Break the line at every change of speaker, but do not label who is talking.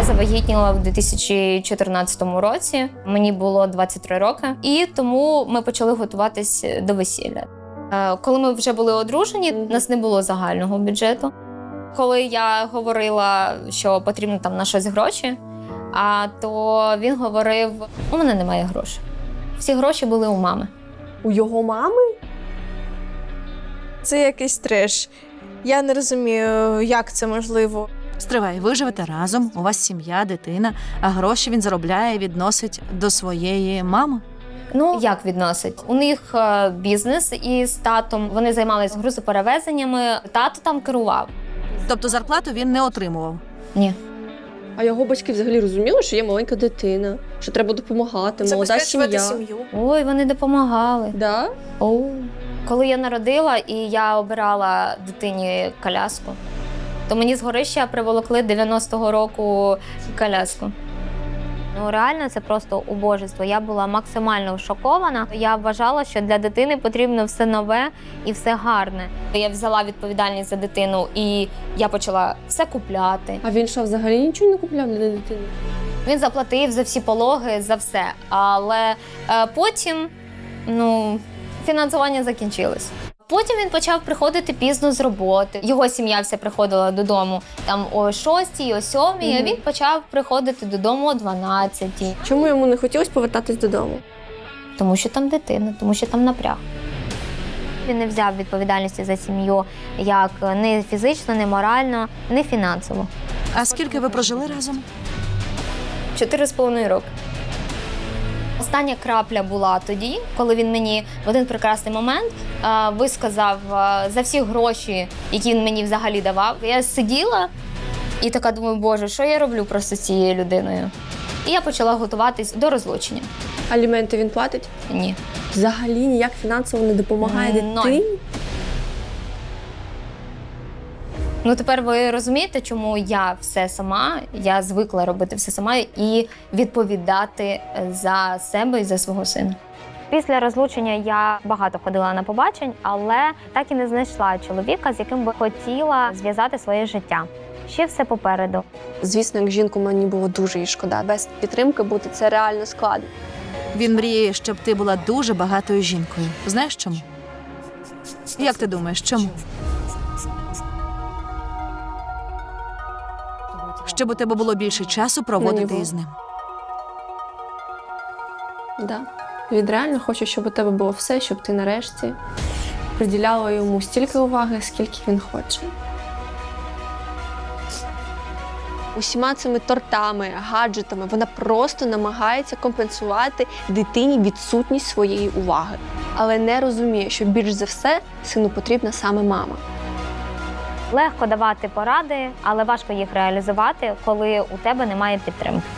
завагітніла в 2014 році, мені було 23 роки, і тому ми почали готуватись до весілля. Коли ми вже були одружені, у нас не було загального бюджету. Коли я говорила, що потрібно там на щось гроші, то він говорив, у мене немає грошей. Всі гроші були у мами.
У його мами? Це якийсь треш. Я не розумію, як це можливо.
Стривай, ви живете разом, у вас сім'я, дитина, а гроші він заробляє і відносить до своєї мами?
Ну, як відносить? У них бізнес із татом, вони займалися грузоперевезеннями, тато там керував.
Тобто зарплату він не отримував?
Ні.
А його батьки взагалі розуміли, що є маленька дитина, що треба допомагати, молода сім'я.
Ой, вони допомагали.
Да?
Коли я народила і я обирала дитині коляску, то мені з горища приволокли 90-го року коляску. Ну, реально, це просто убожество. Я була максимально шокована. Я вважала, що для дитини потрібно все нове і все гарне. Я взяла відповідальність за дитину і я почала все купляти.
А він що, взагалі нічого не купляв для дитини?
Він заплатив за всі пологи, за все. Але потім, фінансування закінчилось. Потім він почав приходити пізно з роботи. Його сім'я вся приходила додому там о 6-й, о 7-й, а він почав приходити додому о 12-й.
Чому йому не хотілося повертатись додому?
Тому що там дитина, тому що там напряг. Він не взяв відповідальності за сім'ю як не фізично, не морально, не фінансово.
А скільки ви прожили разом?
4,5 роки. Остання крапля була тоді, коли він мені в один прекрасний момент висказав за всі гроші, які він мені взагалі давав. Я сиділа і така думаю, боже, що я роблю просто з цією людиною? І я почала готуватись до розлучення.
Аліменти він платить?
Ні.
Взагалі ніяк фінансово не допомагає дитині?
Ну, тепер ви розумієте, чому я все сама, я звикла робити все сама і відповідати за себе і за свого сина. Після розлучення я багато ходила на побачень, але так і не знайшла чоловіка, з яким би хотіла зв'язати своє життя. Ще все попереду.
Звісно, як жінку мені було дуже їй шкода. Без підтримки бути це реально складно.
Він мріє, щоб ти була дуже багатою жінкою. Знаєш чому? Як ти думаєш, чому? Щоб у тебе було більше часу проводити із ним.
Да. Він реально хоче, щоб у тебе було все, щоб ти нарешті приділяла йому стільки уваги, скільки він хоче. Усіма цими тортами, гаджетами вона просто намагається компенсувати дитині відсутність своєї уваги. Але не розуміє, що більш за все сину потрібна саме мама.
Легко давати поради, але важко їх реалізувати, коли у тебе немає підтримки.